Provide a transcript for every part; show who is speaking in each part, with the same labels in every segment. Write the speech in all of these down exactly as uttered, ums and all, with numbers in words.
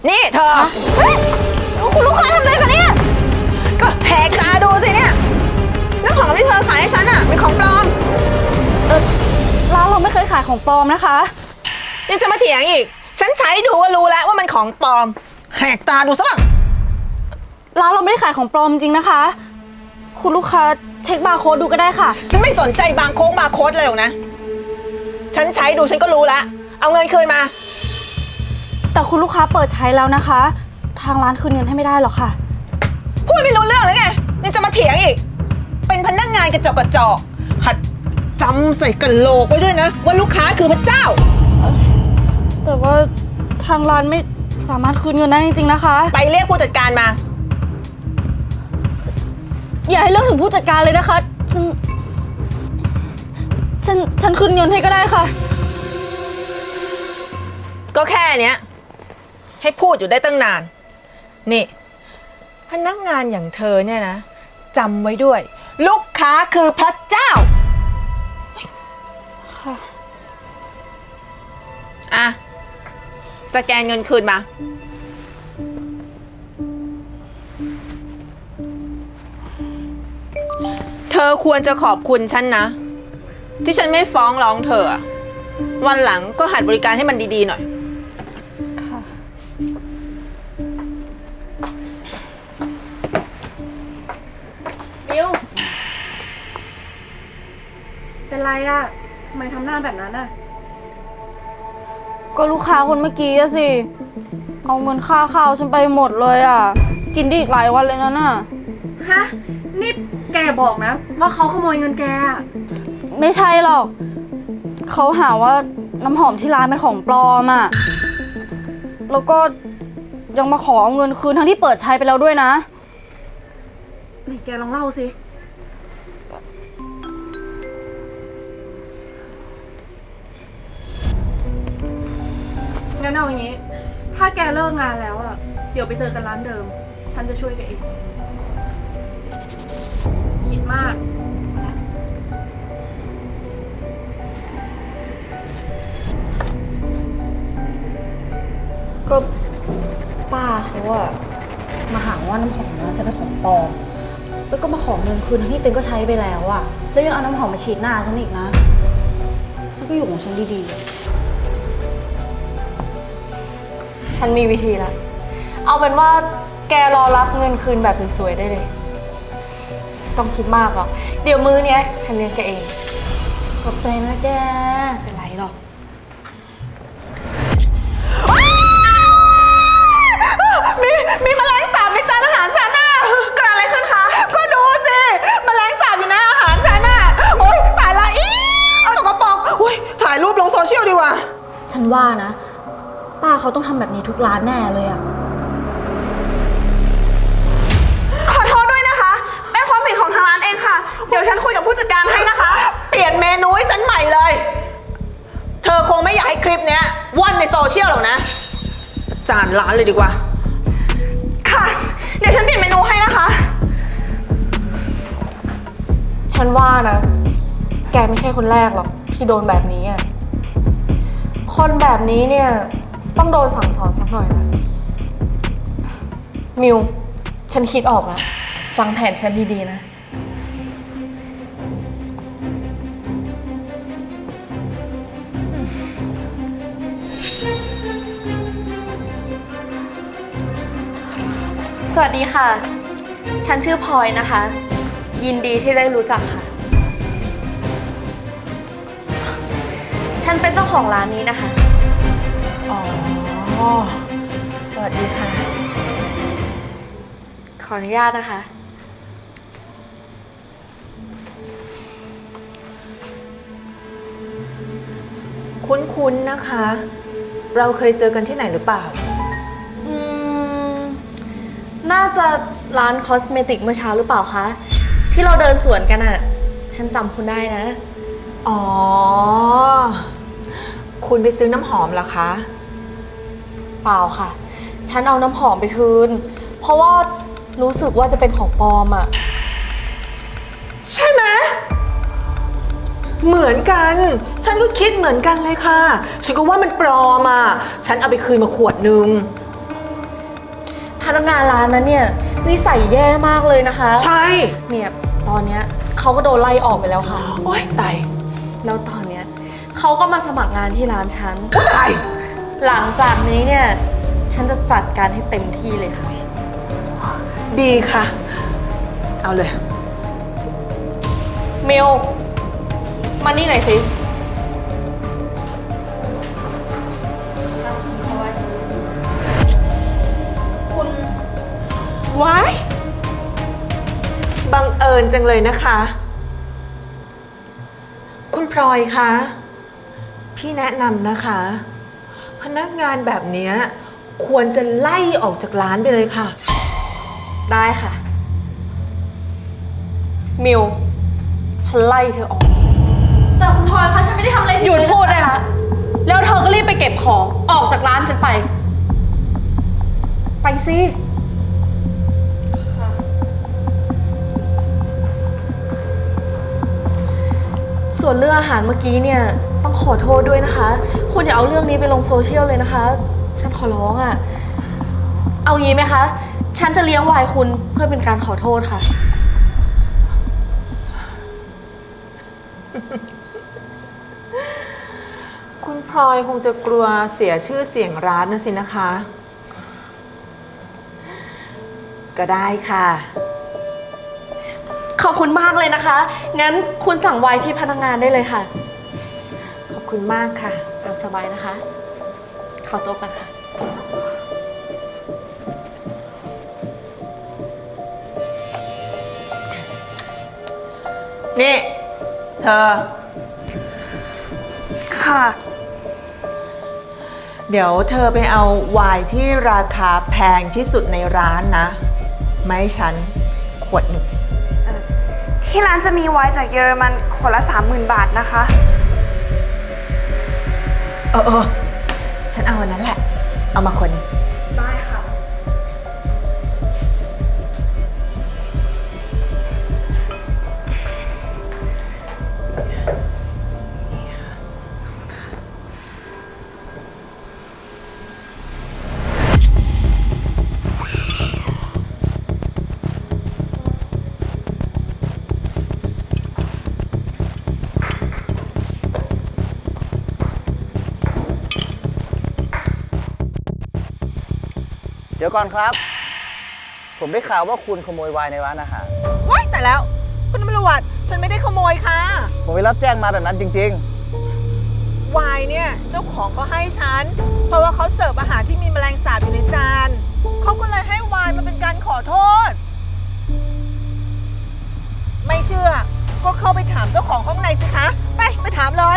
Speaker 1: นี่เธอคุณลูกค้าทำอะไรคะเนี่ยก็แหกตาดูสิเนี่ยน้ำหอมที่เธอขายให้ฉันอะเป็นของปลอม
Speaker 2: เออร้านเราไม่เคยขายของปลอมนะคะ
Speaker 1: ยังจะมาเถียงอีกฉันใช้ดูก็รู้แล้วว่ามันของปลอมแหกตาดูซะบ้าง
Speaker 2: ร้านเราไม่ได้ขายของปลอมจริงนะคะคุณลูกค้าเช็คบาร์โค้ดดูก็ได้ค่ะ
Speaker 1: ฉันไม่สนใจบางโค้งบาร์โค้ดเลยหรอกนะฉันใช้ดูฉันก็รู้แล้วเอาเงินคืนมา
Speaker 2: แต่คุณลูกค้าเปิดใช้แล้วนะคะทางร้านคืนเงินให้ไม่ได้หรอกค่ะ
Speaker 1: พูดไม่รู้เรื่องเลยไงยังจะมาเถียงอีกเป็นพนักงานกระจอกกระจอกหัดจำใส่กระโหลกไว้ด้วยนะว่าลูกค้าคือพระเจ้า
Speaker 2: แต่ว่าทางร้านไม่สามารถคืนเงินได้จริงๆนะคะ
Speaker 1: ไปเรียกผู้จัดการมา
Speaker 2: อย่าให้เรื่องถึงผู้จัดการเลยนะคะฉันฉันฉันคืนเงินให้ก็ได้ค่ะ
Speaker 1: ก็แค่เนี้ยให้พูดอยู่ได้ตั้งนานนี่พนักงานอย่างเธอเนี่ยนะจำไว้ด้วยลูกค้าคือพระเจ้า
Speaker 2: ค่ะ
Speaker 1: อ่ะสแกนเงินคืนมาเธอควรจะขอบคุณฉันนะที่ฉันไม่ฟ้องร้องเธอวันหลังก็หัดบริการให้มันดีๆหน่อย
Speaker 2: ค่ะ
Speaker 3: บิวเป็นไรอะทำไมทำหน้าแบบนั้นอะ
Speaker 2: ก็ลูกค้าคนเมื่อกี้อะสิเอาเงินค่าข้าวฉันไปหมดเลยอะกินได้อีกหลายวันเลยนะน่ะ
Speaker 3: ฮะนี่แกบอกนะว่าเขาขโมยเงินแกอะ
Speaker 2: ไม่ใช่หรอกเขาหาว่าน้ำหอมที่ร้านเป็นของปลอมอะแล้วก็ยังมาขอเอาเงินคืนทั้งที่เปิดใช้ไปแล้วด้วยนะ
Speaker 3: ไหนแกลองเล่าสิงั้นเอาอย่างนี้ถ้าแกเลิกงานแล้วอะเดี๋ยวไปเจอกันร้านเดิมฉันจะช่วยแกเองคิดมาก
Speaker 2: ก็ป้าเขาอะมาหาว่าน้ำหอมนะจะเป็นของปลอมแล้วก็มาขอเงินคืนทั้งที่เต็นก็ใช้ไปแล้วอะแล้วยังเอาน้ำหอมมาฉีดหน้าฉันอีกนะฉันก็อยู่ของฉันดี
Speaker 3: ๆฉันมีวิธีแล้วเอาเป็นว่าแกรอรับเงินคืนแบบสวยๆได้เลยต้องคิดมากหรอกเดี๋ยวมื้อเนี้ยฉันเลี้ยงแกเอง
Speaker 2: ขอบใจนะแก
Speaker 3: เป็นไรหรอก
Speaker 1: มีมีแมลงสาบในจานอาหารฉันน่ะเกิดอะไรขึ้นคะก็ดูสิแมลงสาบอยู่ในอาหารฉันน่ะโอ๊ยตายละอีสกปรกอุ้ยถ่ายรูปลงโซเชียลดีกว่า
Speaker 2: ฉันว่านะป้าเขาต้องทำแบบนี้ทุกร้านแน่เลยอะ
Speaker 1: ขอโทษด้วยนะคะเป็นความผิดของทางร้านเองค่ะเดี๋ยวฉันคุยกับผู้จัดการให้นะคะเปลี่ยนเมนูให้ฉันใหม่เลยเธอคงไม่อยากให้คลิปเนี้ยว่อนในโซเชียลหรอกนะประจานร้านเลยดีกว่าค่ะเดี๋ยวฉันเปลี่ยนเมนูให้นะคะ
Speaker 3: ฉันว่านะแกไม่ใช่คนแรกหรอกที่โดนแบบนี้อ่ะคนแบบนี้เนี่ยต้องโดนสั่งสอนสักหน่อยนะมิวฉันคิดออกแล้วฟังแผนฉันดีๆนะสวัสดีค่ะฉันชื่อพลอยนะคะยินดีที่ได้รู้จักค่ะฉันเป็นเจ้าของร้านนี้นะคะ
Speaker 1: อ๋อสวัสดีค่ะ
Speaker 3: ขออนุญาตนะคะ
Speaker 1: คุ้นๆนะคะเราเคยเจอกันที่ไหนหรือเปล่า
Speaker 3: อืมน่าจะร้านคอสเมติกเมื่อเช้าหรือเปล่าคะที่เราเดินสวนกันอะฉันจำคุณได้นะ
Speaker 1: อ๋อคุณไปซื้อน้ำหอมเหรอคะ
Speaker 3: เปล่าค่ะฉันเอาน้ำหอมไปคืนเพราะว่ารู้สึกว่าจะเป็นของปลอมอะ
Speaker 1: ใช่ไหมเหมือนกันฉันก็คิดเหมือนกันเลยค่ะฉันก็ว่ามันปลอมอ่ะฉันเอาไปคืนมาขวดนึง
Speaker 3: นักงานร้านนั้นเนี่ยนิสัยแย่มากเลยนะคะ
Speaker 1: ใช่
Speaker 3: เนี่ยตอนเนี้ยเขาก็โดนไล่ออกไปแล้วค่ะ
Speaker 1: โอ๊ยตาย
Speaker 3: แล้วตอนเนี้ยเขาก็มาสมัครงานที่ร้านฉัน
Speaker 1: โอ๊ยตาย
Speaker 3: หลังจากนี้เนี่ยฉันจะจัดการให้เต็มที่เลยค่ะ
Speaker 1: ดีค่ะ เอาเลย
Speaker 3: เมลมานี่หน่อยสิ
Speaker 2: คุณ
Speaker 1: ว้ายบังเอิญจังเลยนะคะ คุณพลอยคะ พี่แนะนำนะคะ พนักงานแบบเนี้ยควรจะไล่ออกจากร้านไปเลยค่ะ
Speaker 3: ได้ค่ะมิวฉันไล่เธอออก
Speaker 2: แต่คุณพลอยคะฉันไม่ได้ทำอะไรผิด
Speaker 3: หยุด
Speaker 2: เล
Speaker 3: พูดได้ละแล้วเธอก็รีบไปเก็บของออกจากร้านฉันไป ไปสิ ส่วนเรื่องอาหารเมื่อกี้เนี่ยต้องขอโทษด้วยนะคะ คุณอย่าเอาเรื่องนี้ไปลงโซเชียลเลยนะคะ ฉันขอร้องอะ่ะ เอางี้ไหมคะ ฉันจะเลี้ยงวายคุณเพื่อเป็นการขอโทษค่ะ
Speaker 1: คุณพลอยคงจะกลัวเสียชื่อเสียงร้านนะสินะคะ ก็ได้ค่ะ
Speaker 3: ขอบคุณมากเลยนะคะ งั้นคุณสั่งไวน์ที่พนักงานได้เลยค่ะ
Speaker 1: ขอบคุณมากค่ะ
Speaker 3: ตามสบายนะคะ เข้าโต๊ะกันค่ะ
Speaker 1: นี่ เธอ
Speaker 2: ค่ะ
Speaker 1: เดี๋ยวเธอไปเอาไวน์ที่ราคาแพงที่สุดในร้านนะมาให้ฉันขวดหนึ่ง
Speaker 4: ที่ร้านจะมีไวน์จากเยอรมันขวดละสามหมื่นบาทนะคะ
Speaker 1: เออเออฉันเอาอันนั้นแหละ เอามาคนหนึ่ง
Speaker 4: ได้ค่ะ
Speaker 5: เดี๋ยวก่อนครับ ผมได้ข่าวว่าคุณขโมยไวน์ในร้านอาหาร
Speaker 1: ว้ายแต่แล้ว คุณตำรวจฉันไม่ได้ขโมยค่ะ
Speaker 5: ผมไปรับแจ้งมาแบบนั้นจริง
Speaker 1: ไวน์เนี่ยเจ้าของก็ให้ฉัน เพราะว่าเขาเสิร์ฟอาหารที่มีแมลงสาบอยู่ในจาน เขาก็เลยให้ไวน์มาเป็นการขอโทษ ไม่เชื่อ ก็เข้าไปถามเจ้าของข้างในสิคะ ไป ไปถามเลย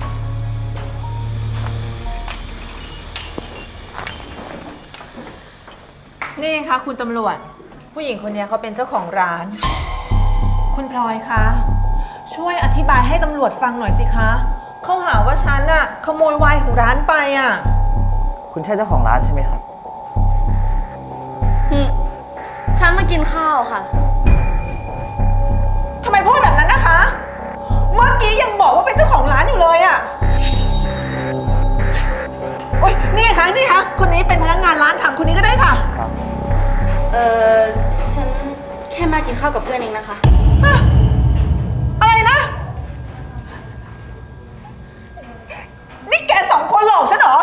Speaker 1: นี่คะคุณตำรวจ ผู้หญิงคนนี้เขาเป็นเจ้าของร้าน คุณพลอยคะ ช่วยอธิบายให้ตำรวจฟังหน่อยสิคะ เขาหาว่าฉันน่ะขโมยไวน์ของร้านไปอ่ะ
Speaker 5: ๆ คุณใช่เจ้าของร้านใช่ไหมครับ
Speaker 3: อืมฉันมากินข้าวค่ะ
Speaker 1: ทำไมพูดแบบนั้นนะคะ เมื่อกี้ยังบอกว่าเป็นเจ้าของร้านอยู่เลยอ่ะ โอ๊ย นี่คะนี่คะคนนี้เป็นพนักงานร้านถามคนนี้ก็ได้ค่ะ
Speaker 5: ครับ
Speaker 2: เออฉันแค่มากินข้าวกับเพื่อนเองนะคะ
Speaker 1: อะอะไรนะ นี่แกสองคนหลอกฉันเหรอ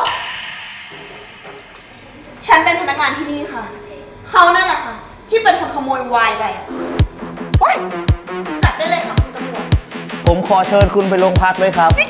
Speaker 2: ฉันเป็นพนักงานที่นี่ค่ะ เขานั่นแหละค่ะ ที่เป็นคนขโมยไวน์ไปอะ
Speaker 1: โอ๊ย
Speaker 2: จับได้เลยค่ะคุณตำรวจ
Speaker 5: ผมขอเชิญคุณไปโรงพักเลยครับ
Speaker 1: นี่